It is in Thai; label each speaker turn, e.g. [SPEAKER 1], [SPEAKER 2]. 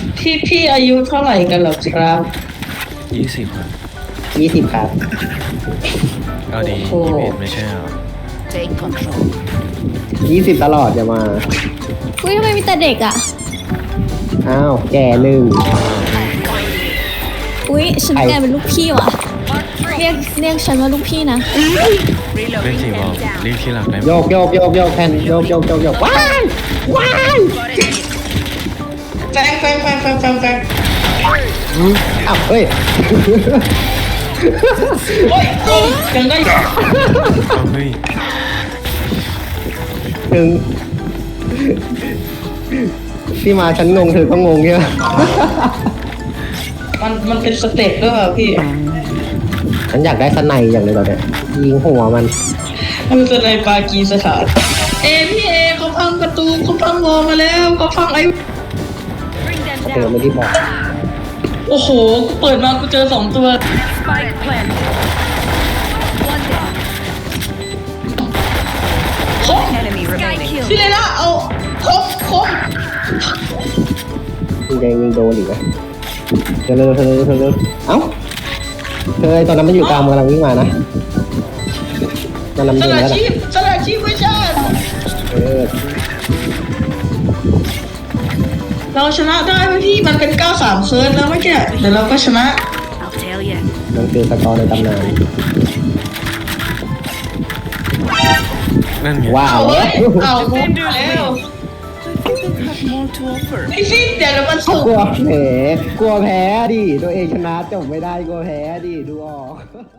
[SPEAKER 1] พี่อายุเท่าไหร่กันหรอครับ
[SPEAKER 2] 20ครับ
[SPEAKER 3] 20ครับ
[SPEAKER 2] เอาดี
[SPEAKER 1] โอ้โห
[SPEAKER 2] 21ไม่ใช่เหรอ
[SPEAKER 4] Take control.
[SPEAKER 3] 20ตลอดอย่ามา
[SPEAKER 5] อุ้ยทำไมมีแต่เด็กอ่ะ
[SPEAKER 3] อ้าวแก่หนึ่ง
[SPEAKER 5] อุ้ยฉันแกเป็นลูกพี่ว่ะ เรียกฉันว่าลูกพี่นะ
[SPEAKER 2] เล่นสีบอกเรียกที่หลักได้ไหม
[SPEAKER 3] โยกโยกโยกโยกแทนโยกโยกโยกโยกว้ายว้าย
[SPEAKER 1] แฟง
[SPEAKER 3] อ้าวเฮ้ย
[SPEAKER 1] โอ้ยโอ้ยยังได้
[SPEAKER 2] เอาเฮ้ย
[SPEAKER 3] ถึงที่มาฉันงงเธอก็งงใช่ไหม
[SPEAKER 1] มันเป็นสเต็ปด้วยเหรอพี่
[SPEAKER 3] ฉันอยากได้สไนด์อย่างเลยตอนเนี้ยยิงหัวมัน
[SPEAKER 1] มันเป็นในปากีสถานพี่เขาพังประตูเขาพังวอลมาแล้วเขาพังไอ้
[SPEAKER 3] เธอไม่ได้บอก
[SPEAKER 1] โอ้โหกูเปิดมากูเจอ2 ตัว
[SPEAKER 4] Spike planted. One down.
[SPEAKER 1] คม
[SPEAKER 4] Enemy remaining.
[SPEAKER 1] พี่เลยนะเอาคม
[SPEAKER 3] ยิงแดงยิงโดนอีกนะเธอเร็วเอ้าเธอไอ้ตอนนั้นมันอยู่กลางมันกำลังวิ่งมานะมันนำ
[SPEAKER 1] ส
[SPEAKER 3] เดิน
[SPEAKER 1] ละ
[SPEAKER 3] แล้วนะ
[SPEAKER 1] ชีพไม่ใช่
[SPEAKER 3] เออ
[SPEAKER 1] เราชนะได้ไหมพี่มันเป็น9-3เคิร์ดแล้วเมื่อกี้เดี๋ยวเราก็ชนะ
[SPEAKER 4] I'll tell you.
[SPEAKER 3] มันคือสกอร์ในตำนาน
[SPEAKER 2] นั่นไง
[SPEAKER 3] ว้าว
[SPEAKER 1] เอาเว้ยเอาโมงแล้ว
[SPEAKER 4] More to offer.
[SPEAKER 1] ไอ้พี่เดี๋ยวมันสุก
[SPEAKER 3] กลัวแพ้ดิตัวเองชนะจบไม่ได้กลัวแพ้ดิดูออก